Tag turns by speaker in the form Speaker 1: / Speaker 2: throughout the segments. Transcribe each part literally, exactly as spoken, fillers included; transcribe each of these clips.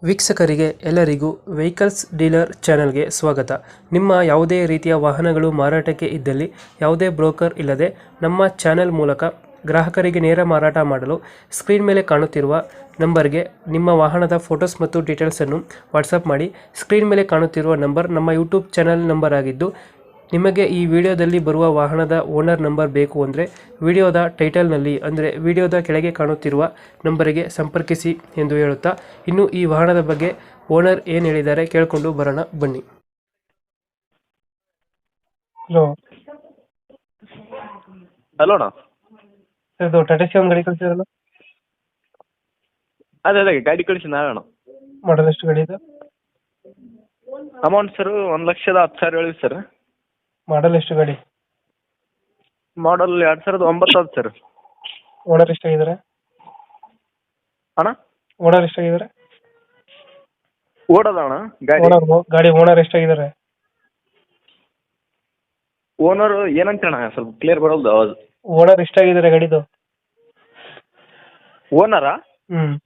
Speaker 1: ವೀಕ್ಷಕರಿಗೆ ಎಲ್ಲರಿಗೂ vehicles dealer ಚಾನೆಲ್ಗೆ ಸ್ವಾಗತ. ನಿಮ್ಮ ಯಾವುದೇ ರೀತಿಯ ವಾಹನಗಳು ಮಾರಾಟಕ್ಕೆ ಇದ್ದಲ್ಲಿ ಯಾವುದೇ ಬ್ರೋಕರ್ ಇಲ್ಲದೆ ನಮ್ಮ ಚಾನೆಲ್ ಮೂಲಕ ಗ್ರಾಹಕರಿಗೆ ನೇರ ಮಾರಾಟ ಮಾಡಲು ಸ್ಕ್ರೀನ್ ಮೇಲೆ ಕಾಣುತ್ತಿರುವ ನಂಬರ್ಗೆ ನಿಮ್ಮ ವಾಹನದ ಫೋಟೋಸ್ ಮತ್ತು ಡೀಟೇಲ್ಸನ್ನು ವಾಟ್ಸಪ್ ಮಾಡಿ. ಸ್ಕ್ರೀನ್ ಮೇಲೆ ಕಾಣುತ್ತಿರುವ ನಂಬರ್ ನಮ್ಮ ಯೂಟ್ಯೂಬ್ ಚಾನೆಲ್ ನಂಬರ್ ಆಗಿದ್ದು, ನಿಮಗೆ ಈ ವಿಡಿಯೋದಲ್ಲಿ ಬರುವ ವಾಹನದ ಓನರ್ ನಂಬರ್ ಬೇಕು ಅಂದರೆ ವಿಡಿಯೋದ ಟೈಟಲ್ನಲ್ಲಿ ಅಂದರೆ ವಿಡಿಯೋದ ಕೆಳಗೆ ಕಾಣುತ್ತಿರುವ ನಂಬರಿಗೆ ಸಂಪರ್ಕಿಸಿ ಎಂದು ಹೇಳುತ್ತಾ, ಇನ್ನು ಈ ವಾಹನದ ಬಗ್ಗೆ ಓನರ್ ಏನು ಹೇಳಿದ್ದಾರೆ ಕೇಳಿಕೊಂಡು ಬರೋಣ ಬನ್ನಿ. ಹಲೋ
Speaker 2: ಹಲೋ ಅಣ್ಣ.
Speaker 1: ಇದು ಟಾಟಾ ಸಿ ಒಂದು ಗಾಡಿ ಕಳಿಸಿದ್ರಲ್ಲ,
Speaker 2: ಅದೇ ಅದೇ ಗಾಡಿ ಕಳಿಸಿ ನಾವೇಣ.
Speaker 1: ಮಾಡಲ್ ಎಷ್ಟು ಗಾಡಿ ಇದೆ?
Speaker 2: ಅಮೌಂಟ್ ಸರ್ ಒಂದು ಲಕ್ಷದ ಹತ್ತು ಸಾವಿರ ಹೇಳಿ ಸರ್.
Speaker 1: ಮಾಡಲ್ ಎಷ್ಟು ಗಾಡಿ?
Speaker 2: ಮಾಡಲ್ ಎರಡು ಸಾವಿರದ ಒಂಬತ್ತು ಅದು ಸರ್.
Speaker 1: ಓನರ್ ಎಷ್ಟಾಗಿದ್ದಾರೆ?
Speaker 2: ಅಣ್ಣ
Speaker 1: ಓನರ್ ಎಷ್ಟಾಗಿದ್ದಾರೆ?
Speaker 2: ಓಡೋದ ಅಣ್ಣ ಗಾಡಿ.
Speaker 1: ಓನರ್ ಗಾಡಿ ಓನರ್ ಎಷ್ಟಾಗಿದ್ದಾರೆ?
Speaker 2: ಓನರ್ ಏನಂತ ಅಣ್ಣ ಸ್ವಲ್ಪ ಕ್ಲಿಯರ್ ಬರೋದು ಅವಾಜ್.
Speaker 1: ಓನರ್ ಎಷ್ಟಾಗಿದ್ದಾರೆ ಗಾಡಿದು?
Speaker 2: ಓನರಾ
Speaker 1: ಹ್ಮ್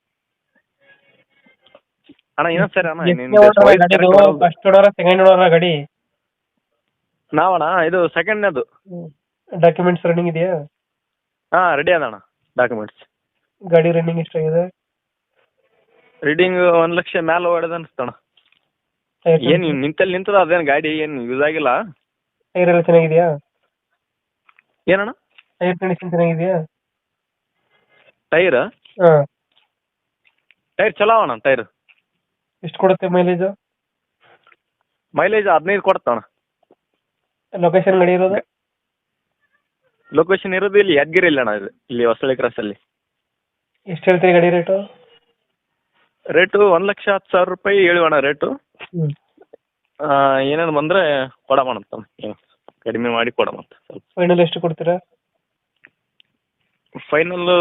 Speaker 2: ಅಣ್ಣ ಇನ್ನೊಂದು ಸರಿ ಅಣ್ಣ
Speaker 1: ಫಸ್ಟ್ ಓನರ ಸೆಕೆಂಡ್ ಓನರ ಗಾಡಿ?
Speaker 2: ನಾವಣ್ಣ ಇದು ಸೆಕೆಂಡ್ನೇದು.
Speaker 1: ಡಾಕ್ಯುಮೆಂಟ್ಸ್ ರನ್ನಿಂಗ್ ಇದೆಯಾ?
Speaker 2: ಹಾಂ ರೆಡಿ ಅದ ಅಣ್ಣ ಡಾಕ್ಯುಮೆಂಟ್ಸ್.
Speaker 1: ಗಾಡಿ ರನ್ನಿಂಗ್ ಎಷ್ಟಾಗಿದೆ?
Speaker 2: ರೀಡಿಂಗ್ ಒಂದು ಲಕ್ಷ ಮ್ಯಾಲೆ ಹೊಡೆದ ಅನಿಸ್ತಣ್ಣ. ಏನು ನಿಂತಲ್ಲಿ ನಿಂತದ ಅದೇನು ಗಾಡಿ ಏನು ಯೂಸ್ ಆಗಿಲ್ಲ.
Speaker 1: ಟೈರ್ ಎಲ್ಲ ಚೆನ್ನಾಗಿದೆಯಾ?
Speaker 2: ಏನಣ್ಣ
Speaker 1: ಟೈರ್ ಕಂಡೀಷನ್ ಚೆನ್ನಾಗಿದೆಯಾ?
Speaker 2: ಟೈರ್
Speaker 1: ಹಾಂ
Speaker 2: ಟೈರ್ ಚಲೋ ಅಣ್ಣ. ಟೈರ್
Speaker 1: ಎಷ್ಟು ಕೊಡುತ್ತೆ ಮೈಲೇಜು?
Speaker 2: ಮೈಲೇಜ್ ಹದಿನೈದು ಕೊಡ್ತಣ್ಣ.
Speaker 1: ಲೊಕೇಶನ್ ಗಾಡಿ ಇರೋದು?
Speaker 2: ಲೊಕೇಶನ್ ಇರೋದು ಇಲ್ಲಿ ಯಾದಗಿರಿ ಇಲ್ಲ ಅಣ್ಣ, ಇದು ಇಲ್ಲಿ ಹೊಸಳ್ಳಿ ಕ್ರಾಸಲ್ಲಿ.
Speaker 1: ಎಷ್ಟು ಹೇಳ್ತೀರಿ ಗಾಡಿ ರೇಟು?
Speaker 2: ರೇಟು ಒಂದು ಲಕ್ಷ ಹತ್ತು ಸಾವಿರ ರೂಪಾಯಿ ಹೇಳಿ ಅಣ್ಣ ರೇಟು.
Speaker 1: ಹ್ಞೂ
Speaker 2: ಏನೇನು ಬಂದರೆ ಕೊಡಮಂತ, ಕಡಿಮೆ ಮಾಡಿ ಕೊಡಮಂತ ಸ್ವಲ್ಪ.
Speaker 1: ಫೈನಲ್ ಎಷ್ಟು ಕೊಡ್ತೀರಾ?
Speaker 2: ಫೈನಲ್ಲು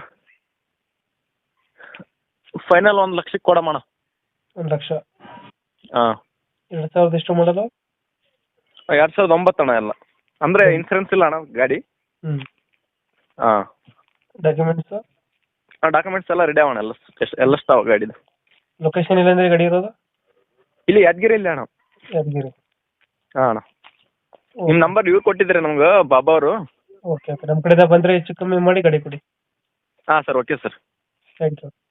Speaker 2: ಫೈನಲ್ ಒಂದು ಲಕ್ಷಕ್ಕೆ ಕೊಡಮಣ್ಣ.
Speaker 1: ಒಂದು ಲಕ್ಷ?
Speaker 2: ಹಾಂ.
Speaker 1: ಎರಡು ಸಾವಿರದ ಎಷ್ಟು ಮಾಡಲು?
Speaker 2: ಎರಡು ಸಾವಿರದ ಒಂಬತ್ತು ಅಣ್ಣ ಎಲ್ಲ. ಅಂದರೆ ಇನ್ಸೂರೆನ್ಸ್ ಇಲ್ಲ ಅಣ್ಣ ಗಾಡಿ.
Speaker 1: ಹ್ಞೂ
Speaker 2: ಹಾಂ.
Speaker 1: ಡಾಕ್ಯುಮೆಂಟ್ಸು?
Speaker 2: ಹಾಂ ಡಾಕ್ಯುಮೆಂಟ್ಸ್ ಎಲ್ಲ ರೆಡಿ ಅವಣ ಎಲ್ಲ ಎಷ್ಟು ಎಲ್ಲ ಸ್ಟಾವ್ ಗಾಡಿದು.
Speaker 1: ಲೊಕೇಶನ್ ಇಲ್ಲಾಂದ್ರೆ ಗಾಡಿ ಇರೋದು?
Speaker 2: ಇಲ್ಲಿ ಯಾದಗಿರಿ ಇಲ್ಲ ಅಣ್ಣ.
Speaker 1: ಯಾದಗಿರಿ?
Speaker 2: ಹಾಂ ಅಣ್ಣ. ನಿಮ್ಮ ನಂಬರ್ ಇವ್ರು ಕೊಟ್ಟಿದ್ದಾರೆ ನಮ್ಗೆ, ಬಾಬಾ ಅವರು.
Speaker 1: ಓಕೆ ಓಕೆ, ನಮ್ಮ ಕಡೆಯಿಂದ ಬಂದರೆ ಹೆಚ್ಚು ಕಮ್ಮಿ ಮಾಡಿ ಗಾಡಿ ಕೊಡಿ.
Speaker 2: ಹಾಂ sir, okay sir.
Speaker 1: Thank you.